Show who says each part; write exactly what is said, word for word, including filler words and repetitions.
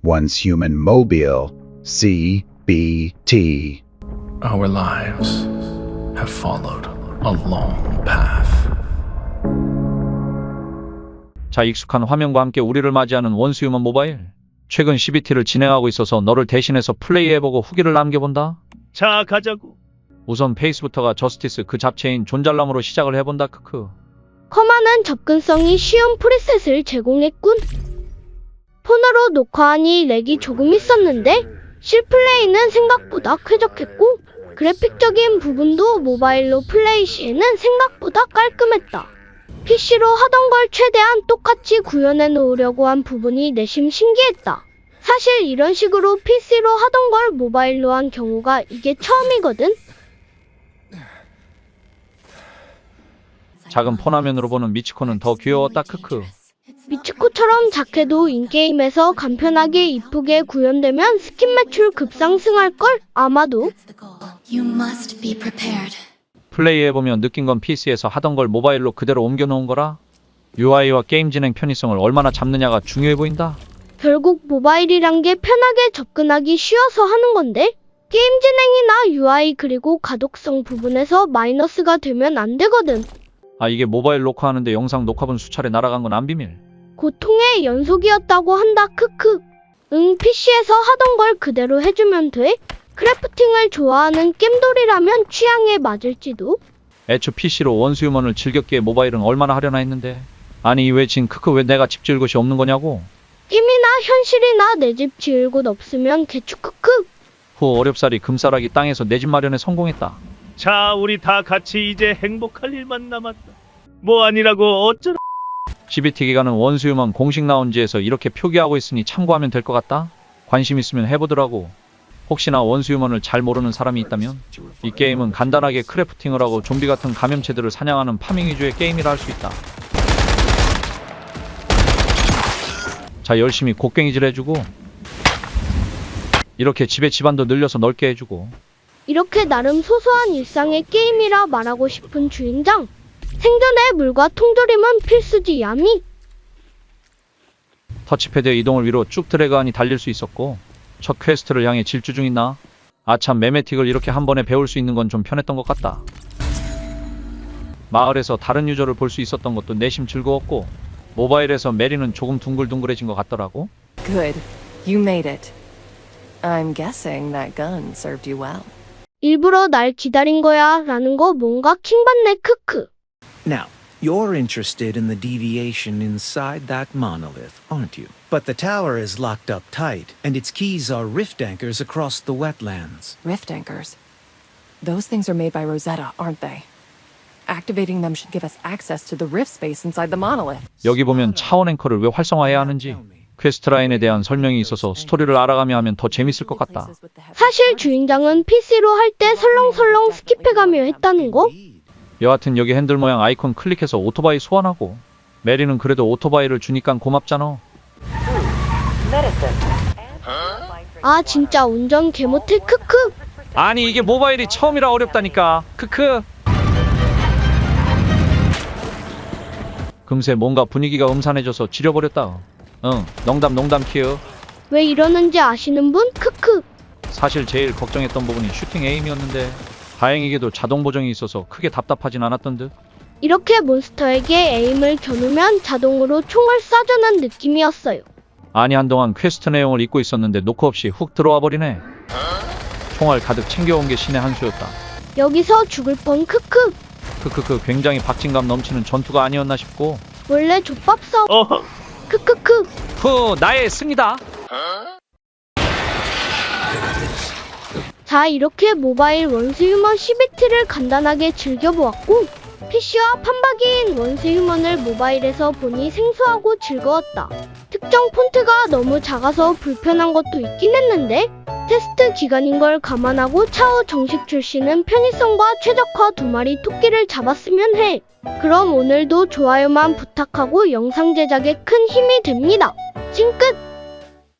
Speaker 1: Once Human Mobile, C B T.
Speaker 2: Our lives have followed a long path.
Speaker 3: 자, 익숙한 화면과 함께 우리를 맞이하는 원수휴먼 모바일. 최근 씨비티를 진행하고 있어서 너를 대신해서 플레이해보고 후기를 남겨본다.
Speaker 4: 자, 가자고.
Speaker 3: 우선 페이스부터가 저스티스 그 잡채인 존잘남으로 시작을 해본다. 크크.
Speaker 5: 커만한 접근성이 쉬운 프리셋을 제공했군. 폰으로 녹화하니 렉이 조금 있었는데 실플레이는 생각보다 쾌적했고 그래픽적인 부분도 모바일로 플레이 시에는 생각보다 깔끔했다. 피시로 하던 걸 최대한 똑같이 구현해 놓으려고 한 부분이 내심 신기했다. 사실 이런 식으로 피시로 하던 걸 모바일로 한 경우가 이게 처음이거든.
Speaker 3: 작은 폰화면으로 보는 미치코는 더 귀여웠다. 크크.
Speaker 5: 미츠코처럼 작해도 인게임에서 간편하게 이쁘게 구현되면 스킨 매출 급상승할걸? 아마도.
Speaker 6: You must be prepared.
Speaker 3: 플레이해보면 느낀 건 피시에서 하던 걸 모바일로 그대로 옮겨놓은 거라. 유아이와 게임 진행 편의성을 얼마나 잡느냐가 중요해 보인다.
Speaker 5: 결국 모바일이란 게 편하게 접근하기 쉬워서 하는 건데 게임 진행이나 유아이 그리고 가독성 부분에서 마이너스가 되면 안 되거든.
Speaker 3: 아, 이게 모바일 녹화하는데 영상 녹화본 수차례 날아간 건 안 비밀.
Speaker 5: 고통의 연속이었다고 한다. 크크. 응, 피시에서 하던 걸 그대로 해주면 돼. 크래프팅을 좋아하는 겜돌이라면 취향에 맞을지도.
Speaker 3: 애초 피시로 원수휴먼을 즐겼기에 모바일은 얼마나 하려나 했는데. 아니 왜 진 크크 왜 내가 집 지을 곳이 없는 거냐고.
Speaker 5: 게임이나 현실이나 내 집 지을 곳 없으면 개추 크크.
Speaker 3: 후 어렵사리 금싸라기 땅에서 내 집 마련에 성공했다.
Speaker 4: 자, 우리 다 같이 이제 행복할 일만 남았다. 뭐 아니라고 어쩌라.
Speaker 3: 씨비티 기간은 원수휴먼 공식 라운지에서 이렇게 표기하고 있으니 참고하면 될 것 같다. 관심 있으면 해보더라고. 혹시나 원수휴먼을 잘 모르는 사람이 있다면 이 게임은 간단하게 크래프팅을 하고 좀비 같은 감염체들을 사냥하는 파밍 위주의 게임이라 할 수 있다. 자, 열심히 곡괭이질 해주고 이렇게 집에 집안도 늘려서 넓게 해주고.
Speaker 5: 이렇게 나름 소소한 일상의 게임이라 말하고 싶은 주인장. 생존에 물과 통조림은 필수지 야미.
Speaker 3: 터치패드의 이동을 위로 쭉 드래그하니 달릴 수 있었고 첫 퀘스트를 향해 질주 중인 나. 아참 매메틱을 이렇게 한 번에 배울 수 있는 건 좀 편했던 것 같다. 마을에서 다른 유저를 볼 수 있었던 것도 내심 즐거웠고 모바일에서 메리는 조금 둥글둥글해진 것 같더라고.
Speaker 7: Good. You made it. I'm guessing that gun served you well.
Speaker 5: 일부러 날 기다린 거야 라는 거 뭔가 킹받네. 크크.
Speaker 8: Now, you're interested in the deviation inside that monolith, aren't you? But the tower is locked up tight, and its keys are rift anchors across the wetlands.
Speaker 7: Rift anchors. Those things are made by Rosetta, aren't they? Activating them should give us access to the rift space inside the monolith.
Speaker 3: 여기 보면 차원 앵커를 왜 활성화해야 하는지 퀘스트 라인에 대한 설명이 있어서 스토리를 알아가며 하면 더 재밌을 것 같다.
Speaker 5: 사실 주인장은 피시로 할 때 설렁설렁 스킵해가며 했다는 거?
Speaker 3: 여하튼 여기 핸들 모양 아이콘 클릭해서 오토바이 소환하고 메리는 그래도 오토바이를 주니깐 고맙잖아.
Speaker 5: 아 진짜 운전 개못해. 크크.
Speaker 3: 아니 이게 모바일이 처음이라 어렵다니까. 크크. 금세 뭔가 분위기가 음산해져서 지려버렸다. 응, 농담 농담 키읔.
Speaker 5: 왜 이러는지 아시는 분? 크크.
Speaker 3: 사실 제일 걱정했던 부분이 슈팅 에임이었는데 다행히게도 자동 보정이 있어서 크게 답답하진 않았던 듯.
Speaker 5: 이렇게 몬스터에게 에임을 겨누면 자동으로 총을 쏴주는 느낌이었어요.
Speaker 3: 아니 한동안 퀘스트 내용을 잊고 있었는데 노크 없이 훅 들어와 버리네. 총알 가득 챙겨온 게 신의 한 수였다.
Speaker 5: 여기서 죽을 뻔. 크크.
Speaker 3: 크크크 굉장히 박진감 넘치는 전투가 아니었나 싶고.
Speaker 5: 원래 족밥 싸움.
Speaker 4: 어허.
Speaker 5: 크크크.
Speaker 3: 후 나의 승리다.
Speaker 5: 자, 이렇게 모바일 원수휴먼 씨비티를 간단하게 즐겨보았고 피시와 판박이인 원수휴먼을 모바일에서 보니 생소하고 즐거웠다. 특정 폰트가 너무 작아서 불편한 것도 있긴 했는데 테스트 기간인 걸 감안하고 차후 정식 출시는 편의성과 최적화 두 마리 토끼를 잡았으면 해. 그럼 오늘도 좋아요만 부탁하고 영상 제작에 큰 힘이 됩니다. 찡끝!